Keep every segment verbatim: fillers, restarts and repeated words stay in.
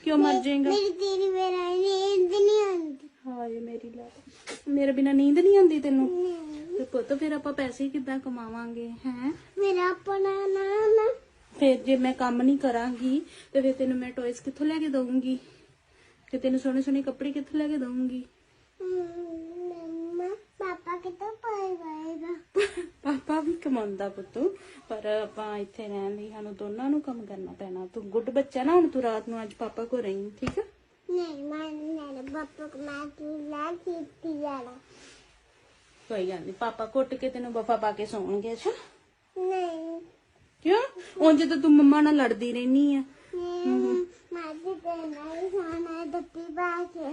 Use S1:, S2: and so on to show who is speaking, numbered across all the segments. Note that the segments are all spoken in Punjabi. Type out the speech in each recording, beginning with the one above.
S1: क्यों मर जाएगा?
S2: मेरी तेरी मेरा नींद नहीं आती।
S1: हाय मेरी लाल, मेरे बिना नींद नहीं आती तेनू?
S2: नहीं,
S1: ਤੇ ਪੁੱਤ ਫਿਰ ਆਪਾਂ ਪੈਸੇ ਕਿੱਦਾਂ ਕਮਾਵਾਂਗੇ ਹੈ?
S2: मेरा अपना नाम है।
S1: ਫਿਰ ਜੇ ਮੈਂ ਕੰਮ ਨਹੀਂ ਕਰਾਂਗੀ ਤੇ ਫਿਰ ਤੈਨੂੰ ਮੈਂ ਟੌਇਸ ਕਿੱਥੋਂ ਲੈ ਕੇ ਦਊਂਗੀ? ਤੇ ਤੈਨੂੰ ਸੋਹਣੇ ਸੋਹਣੇ ਕੱਪੜੇ ਕਿੱਥੋਂ ਲੈ ਕੇ ਦਊਂਗੀ?
S2: मम्मा पापा कितना पाएगा?
S1: ਪਾਪਾ ਵੀ ਕਮਾਉਂਦਾ ਪੁੱਤ, ਪਰ ਆਪਾਂ ਇੱਥੇ ਰਹਿਣ ਲਈ ਸਾਨੂੰ ਦੋਨਾਂ ਨੂੰ ਕੰਮ ਕਰਨਾ ਪੈਣਾ। ਤੂੰ ਗੁੱਡ ਬੱਚਾ ਨਾ, ਹੁਣ ਤੂੰ ਰਾਤ ਨੂੰ ਅੱਜ ਪਾਪਾ ਕੋ ਰਹੀਂ, ਠੀਕ ਹੈ?
S2: नहीं मैं मेरे पापा को मैं पीला खींचती जाना।
S1: ਕੋਈ ਗੱਲ ਨਹੀਂ, ਪਾਪਾ ਘੁੱਟ ਕੇ ਤੈਨੂੰ ਬਫਾ ਪਾ ਕੇ ਸੌਣਗੇ। ਅੱਛਾ
S2: नहीं
S1: ਕਿਉਂ? ਉਂਝ ਤਾਂ ਤੂੰ ਮੰਮਾ ਨਾਲ ਲੜਦੀ ਰਹਿਨੀ ਆ।
S2: नहीं मैं तो नहीं खाना दत्ती बाके।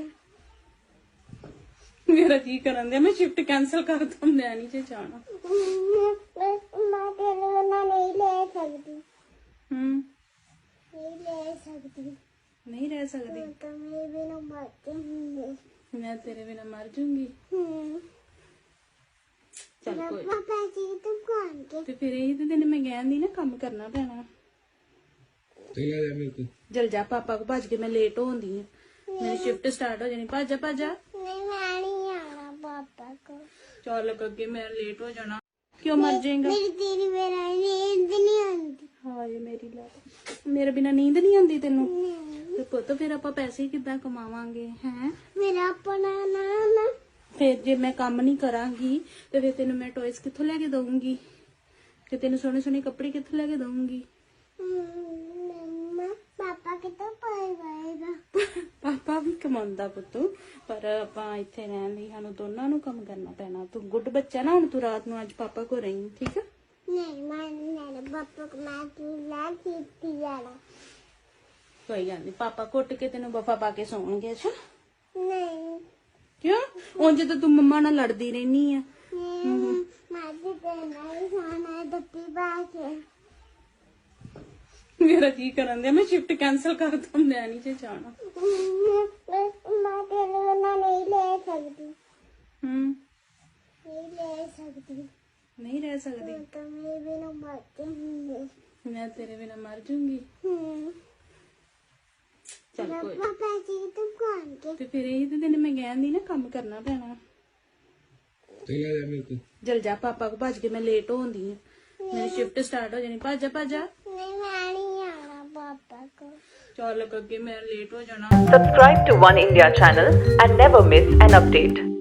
S1: ਮੇਰਾ ਕੀ ਕਰਨ ਦਿਆ, ਮੈਂ ਸ਼ਿਫਟ ਕੈਨਸਲ ਕਰ ਦੂੰ, ਮੈਂ ਨਹੀਂ ਜੇ ਜਾਣਾ।
S2: मैं तेरे बिना नहीं ले सकती।
S1: ਹੂੰ
S2: नहीं ले सकती।
S1: ਨਹੀਂ ਰਹਿ ਸਕਦੀ,
S2: तो मेरे बिना मर जाऊंगी।
S1: ਮੈਂ ਤੇਰੇ ਬਿਨਾ ਮਰ ਜੂੰਗੀ। ਚੱਲ ਕੋਈ
S2: पापा जी तुम कौन के?
S1: ਤੇ ਫਿਰ ਇਹੀ ਤੇ ਤੈਨੂੰ ਮੈਂ ਕਹਿੰਦੀ ਨਾ, ਕੰਮ ਕਰਨਾ ਪੈਣਾ।
S3: चला जा मेरे को।
S1: ਜਲ ਜਾ, ਪਾਪਾ ਕੋ ਭੱਜ ਕੇ ਮੈਂ ਲੇਟ ਹੋਉਂਦੀ ਆ, ਮੇਰੀ ਸ਼ਿਫਟ ਸਟਾਰਟ ਹੋ ਜਾਣੀ। ਭੱਜ ਜਾ ਭੱਜ ਜਾ,
S2: नहीं मैं नहीं आना पापा को।
S1: ਚੱਲ ਅੱਗੇ ਮੈਂ ਲੇਟ ਹੋ ਜਾਣਾ। ਕਿਉਂ ਮਰ ਜਾਏਗਾ?
S2: मेरी तेरी मेरा नींद नहीं आती।
S1: ਹਾਏ ਮੇਰੀ ਲਾਲ, ਮੇਰੇ ਬਿਨਾ ਨੀਂਦ ਨਹੀਂ ਆਉਂਦੀ ਤੈਨੂੰ?
S2: नहीं,
S1: ਤੇ ਪੁੱਤ ਫਿਰ ਆਪਾਂ ਪੈਸੇ ਕਿੱਦਾਂ ਕਮਾਵਾਂਗੇ ਹੈ?
S2: मेरा अपना नाम है।
S1: ਫਿਰ ਜੇ ਮੈਂ ਕੰਮ ਨਹੀਂ ਕਰਾਂਗੀ ਤੇ ਫਿਰ ਤੈਨੂੰ ਮੈਂ ਟੌਇਸ ਕਿੱਥੋਂ ਲੈ ਕੇ ਦਊਂਗੀ? ਤੇ ਤੈਨੂੰ ਸੋਹਣੇ ਸੋਹਣੇ ਕੱਪੜੇ ਕਿੱਥੋਂ ਲੈ ਕੇ ਦਊਂਗੀ?
S2: मम्मा पापा कितना पाएगा?
S1: ਪਾਪਾ ਵੀ ਕਮਾਉਂਦਾ ਪੁੱਤ, ਪਰ ਆਪਾਂ ਇੱਥੇ ਰਹਿਣ ਲਈ ਸਾਨੂੰ ਦੋਨਾਂ ਨੂੰ ਕੰਮ ਕਰਨਾ ਪੈਣਾ। ਤੂੰ ਗੁੱਡ ਬੱਚਾ ਨਾ, ਹੁਣ ਤੂੰ ਰਾਤ ਨੂੰ ਅੱਜ ਪਾਪਾ ਕੋ ਰਹੀਂ, ਠੀਕ ਹੈ?
S2: नहीं मैं मेरे पापा को मैं पीला खींचती जाना।
S1: ਕੋਈ ਗੱਲ ਨਹੀਂ, ਪਾਪਾ ਘੁੱਟ ਕੇ ਤੈਨੂੰ ਬਫਾ ਪਾ ਕੇ ਸੌਣਗੇ। ਅੱਛਾ
S2: नहीं
S1: ਕਿਉਂ? ਉਂਝ ਤਾਂ ਤੂੰ ਮੰਮਾ ਨਾਲ ਲੜਦੀ ਰਹਿਨੀ ਆ।
S2: नहीं मैं तो नहीं खाना दत्ती बाके।
S1: ਮੇਰਾ ਕੀ ਕਰਨ ਦਿਆ, ਮੈਂ ਸ਼ਿਫਟ ਕੈਨਸਲ ਕਰ ਦੂੰ, ਮੈਂ ਨਹੀਂ ਜੇ ਜਾਣਾ।
S2: मैं तेरे बिना नहीं ले सकती।
S1: ਹੂੰ
S2: नहीं ले सकती।
S1: ਨਹੀਂ ਰਹਿ ਸਕਦੀ,
S2: तो मेरे बिना मर जाऊंगी।
S1: ਮੈਂ ਤੇਰੇ ਬਿਨਾ ਮਰ ਜੂੰਗੀ। ਚੱਲ ਕੋਈ
S2: पापा जी तुम कौन के?
S1: ਤੇ ਫਿਰ ਇਹੀ ਤੇ ਤੈਨੂੰ ਮੈਂ ਕਹਿੰਦੀ ਨਾ, ਕੰਮ ਕਰਨਾ ਪੈਣਾ।
S3: चला जा मेरे को।
S1: ਜਲ ਜਾ, ਪਾਪਾ ਕੋ ਭੱਜ ਕੇ ਮੈਂ ਲੇਟ ਹੋਉਂਦੀ ਆ, ਮੇਰੀ ਸ਼ਿਫਟ ਸਟਾਰਟ ਹੋ ਜਾਣੀ। ਭੱਜ ਜਾ ਭੱਜ ਜਾ,
S2: नहीं मैं नहीं आना पापा को।
S1: ਚੱਲ ਅੱਗੇ ਮੈਂ ਲੇਟ ਹੋ ਜਾਣਾ।
S4: Subscribe to One India channel and never miss an update.